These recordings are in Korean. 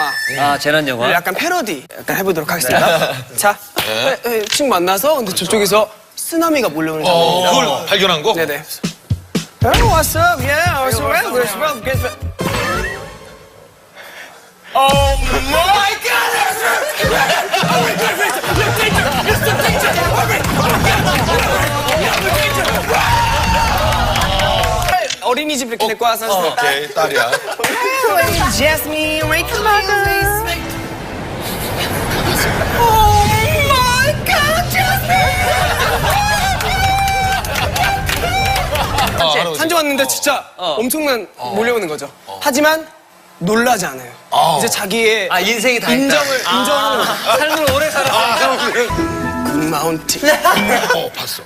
아, 재난 영화. 약간 패러디 약간 해보도록 하겠습니다. 자, 친구 만나서 근데 저쪽에서 쓰나미가 몰려오는 장면입니다. 그걸 발견한 거? 네네. Oh, what's up? Yeah, what's up? What's up? Guess what? Oh my God! 어린이집 이렇게 데리고 와서 오케이, 딸이야. Hey, Jasmine, wait, come on, guys. Oh my God, Jasmine! 산조 왔는데 진짜 엄청난 몰려오는 거죠. 하지만 놀라지 않아요. 이제 자기의 인생이 다 인정하는 거죠. 삶을 오래 살았어. 굿마운틴. 봤어.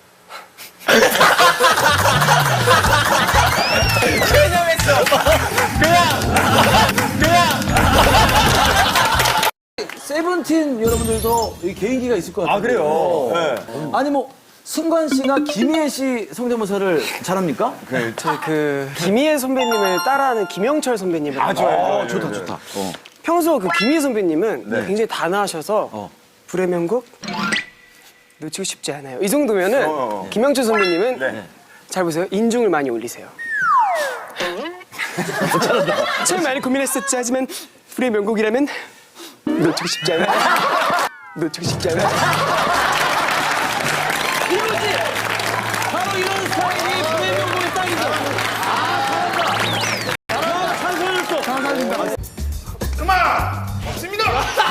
세븐틴 여러분들도 이 개인기가 있을 것 같아요. 아, 그래요? 네. 아니, 뭐, 승관 씨나 김희애 씨 성대모사를 잘합니까? 김희애 선배님을 따라하는 김영철 선배님을. 좋아요. 좋다, 좋다. 평소 그 김희애 선배님은 굉장히 단아하셔서 불의 명곡 놓치고 싶지 않아요. 이 정도면은 김영철 선배님은 잘 보세요. 인중을 많이 올리세요. 참 많이 고민했었지 하지만 불의 명곡이라면 놓치고 싶지 않아요. 놓치고 싶지 않아요. 이거지! 바로 이런 스타일이 불의 명곡의 딱이죠. 잘한다. 찬성했어. 찬성했습니다. 그만! 없습니다!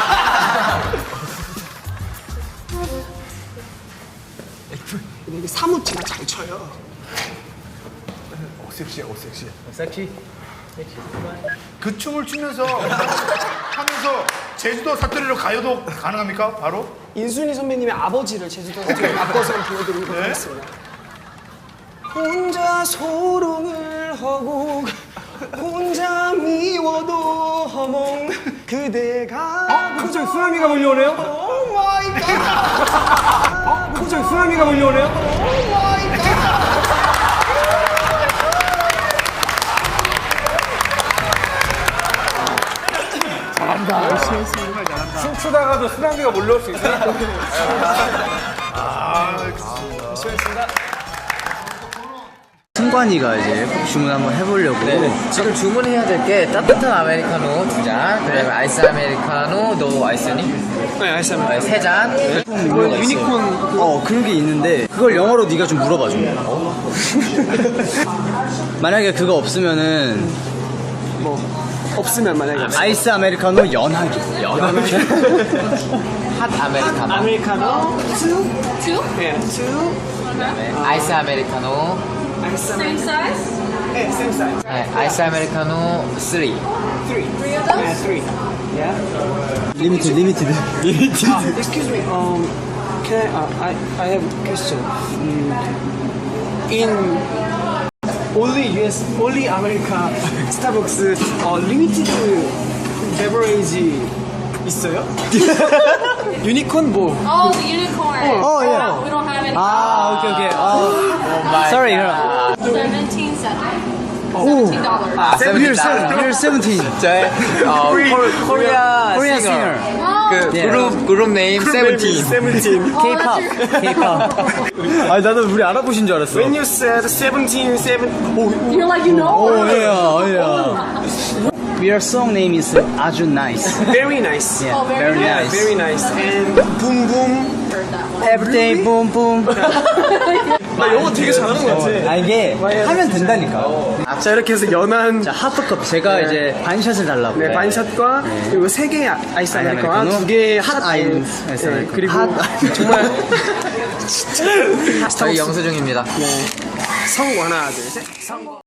이게 사무치나 잘 쳐요. 섹시해. 섹시. 그 춤을 추면서 하면서 제주도 사투리로 가요도 가능합니까? 바로? 인순이 선배님의 아버지를 제주도에서 바꿔서 보여드리도록 하겠습니다. 혼자 소롱을 하고 혼자 미워도 허몽 그대가 갑자기 쓰나미가 몰려오네요? 오 마이 갓 갑자기 쓰나미가 몰려오네요? 오 마이 갓 춤추다가도 쓰나미가 몰려올 수 있어요? 승관이가 이제 주문 한번 해보려고. 지금 주문해야 될 게 따뜻한 아메리카노 2잔, 그다음에 아이스 아메리카노 너 아이스니? 네 알겠습니다. 3잔. 유니콘 그런 게 있는데 그걸 영어로 네가 좀 물어봐줘. 만약에 그거 없으면은 없으면 만약에 아이스 아메리카노 연하게. 핫 아메리카노. 아메리카노 Two? 예, 2 아이스 아메리카노. Same size? 네, same size. 네, 아이스 아메리카노 3. 3 Three of those? 3 yeah. 리미티드. Excuse me, can I have a question. In only America Starbucks limited beverage 있어요? 유니콘 뭐? Oh, the unicorn. yeah. We don't have any. 오케이. Sorry. 17 cents. $17. You're 17. 저의 코리아 Korean 싱어. singer. 그 그룹 네임 17. K-pop. 아니 나도 우리 알아보신 줄 알았어. When you said 17, You're like, you know? yeah. Your song name is 아주 nice. very nice. Yeah, Oh, very very nice. nice. Very nice. And boom boom. Heard that one. Everyday boom boom. 나 영어 되게 잘하는 것 같아. 아 이게 하면 된다니까. 자 이렇게 해서 연한 자 하프컵 제가 이제 반샷을 달라고. 네, 반샷과 그리고 3개의 아이스 아메리카노와 2개의 핫 아이스. 아이스 네, 아메리카노. 그리고 핫. 정말 저희 영수증입니다. 성우 하나 둘 셋.